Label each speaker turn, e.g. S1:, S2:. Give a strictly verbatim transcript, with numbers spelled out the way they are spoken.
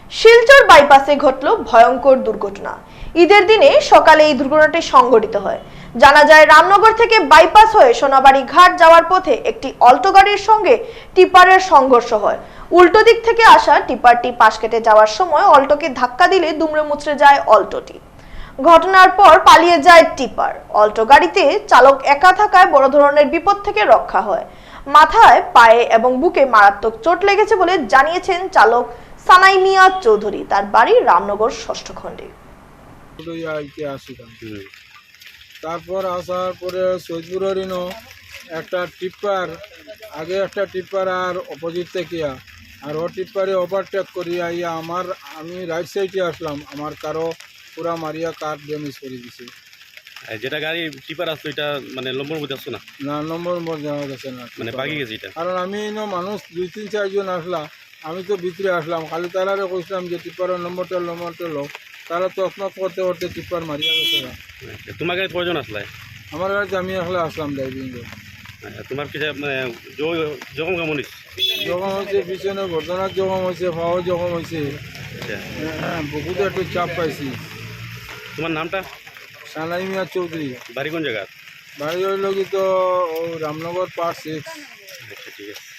S1: শিলচর বাইপাসে ঘটল ভয়ঙ্কর দুর্ঘটনা। ঈদের দিনে সকালে এই দুর্ঘটনাটি সংঘটিত হয়। জানা যায়, রামনগর থেকে বাইপাস হয়ে সোনাবাড়ি ঘাট যাওয়ার পথে একটি অল্টো গাড়ির সঙ্গে টিপারের সংঘর্ষ হয়। উল্টো দিক থেকে আসা টিপারটি পাশ কেটে যাওয়ার সময় অল্টোকে ধাক্কা দিলে দুমড়ে মুচড়ে যায় অল্টোটি। ঘটনার পর পালিয়ে যায় টিপার। অল্টো গাড়িতে চালক একা থাকায় বড় ধরনের বিপদ থেকে রক্ষা হয়। মাথায়, পায়ে এবং বুকে মারাত্মক চোট লেগেছে বলে জানিয়েছেন চালক সানাই মিয়া চৌধুরী। তার বাড়ি রামনগর ষষ্ঠ খণ্ডে।
S2: তারপর আসার পরে সৈদপুরের ইনো একটা টিপ্পার, আগে একটা টিপ্পার আর অপোজিট থেকে আর ও টিপ্পারে ওভারটেক করিয়া ইয়া আমার আমি রাইট সাইডে আসলাম, আমার কারো পুরা মারিয়া কার ড্যামেজ করে দিছে।
S3: যেটা গাড়ি টিপার আসতো এটা মানে নম্বর মধ্যে আসতো না,
S2: না নম্বর মধ্যে যাওয়া গেছে না,
S3: মানে বাকি গেছে এটা।
S2: কারণ আমি ইনো মানুষ দুই তিন চারজন আসলাম, আমি তো ভিতরে আসলাম, খালি তারারে কইছিলাম যে টিপ্পারের নম্বরটা নম্বরটা লো, তারা তসমত করতে করতে টিপ্পার মারিয়া গেছে না।
S3: আচ্ছা, তোমার গাড়ি কয়জন আসলে?
S2: আমার কাছে আমি আসলে আসলাম ড্রাইভিং।
S3: আচ্ছা, তোমার কি যে, মানে জ- জখম কেমন হয়েছে?
S2: জখম হয়েছে, পিছনে ঘটনার জখম হয়েছে, পাওয়া জখম হয়েছে,
S3: আচ্ছা,
S2: বুকুতে একটু চাপ পাইছি।
S3: তোমার নামটা?
S2: সানাই মিয়া চৌধুরী।
S3: বাড়ি কোন জায়গা?
S2: বাড়ি হইল কি তো ও রামনগর পার্ট সিক্স।
S3: আচ্ছা, ঠিক আছে।